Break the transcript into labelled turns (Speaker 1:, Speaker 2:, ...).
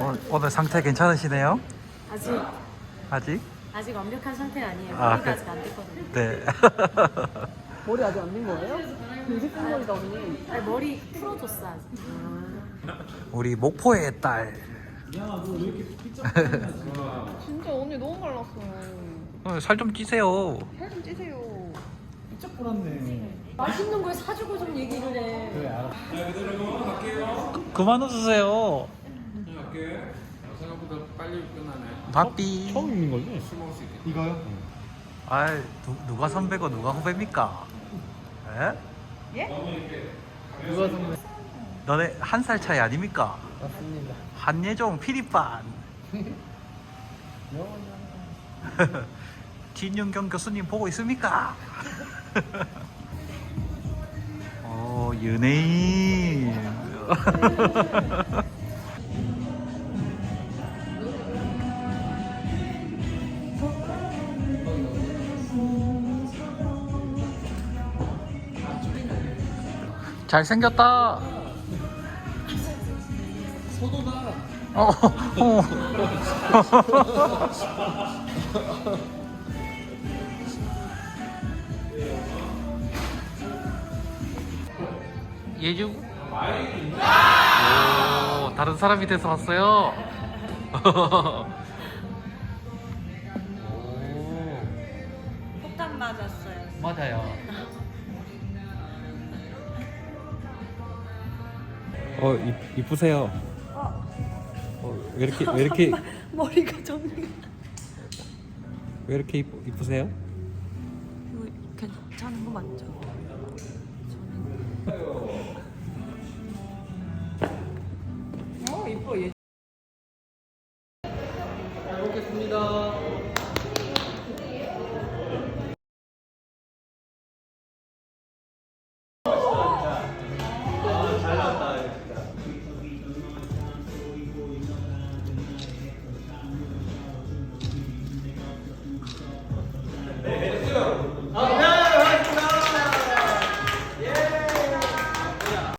Speaker 1: 오늘 상태 괜찮으시네요?
Speaker 2: 아직
Speaker 1: 아직?
Speaker 2: 아직 완벽한 상태가 아니에요.
Speaker 1: 아,
Speaker 2: 머리가 아직 안 됐거든요.
Speaker 1: 네.
Speaker 3: 머리 아직 안 된 거예요? 되게 큰 머리다 언니.
Speaker 2: 아니, 머리 풀어줬어 아직.
Speaker 1: 우리 목포의 딸.
Speaker 3: 진짜 언니 너무 말랐어요.
Speaker 1: 살 좀 찌세요.
Speaker 3: 살 좀 찌세요.
Speaker 4: 진짜 뿌렸네.
Speaker 2: 맛있는 걸 사주고 좀 얘기를 해.
Speaker 4: 그래 알아.
Speaker 1: 그만 웃으세요.
Speaker 5: 할게. 생각보다 빨리 끝나네.
Speaker 1: 바삐.
Speaker 4: 처음 있는 거지?
Speaker 5: 술 먹을 수 있겠다.
Speaker 4: 이거요?
Speaker 1: 아이, 누가 선배고 누가 후배입니까? 에?
Speaker 4: 누가 선배?
Speaker 1: 너네 한 살 차이 아닙니까?
Speaker 4: 맞습니다.
Speaker 1: 한예종 피리반. 진윤경 교수님 보고 있습니까? 연예인. 잘생겼다.
Speaker 4: 소도다.
Speaker 1: 어. 예주? 오, 다른 사람이 돼서 왔어요.
Speaker 2: 폭탄 맞았어요.
Speaker 1: 맞아요. 이쁘세요. 왜 이렇게
Speaker 2: 머리가 정리가.
Speaker 1: 왜 이렇게 이쁘세요?
Speaker 2: 이거 괜찮은 거 맞죠?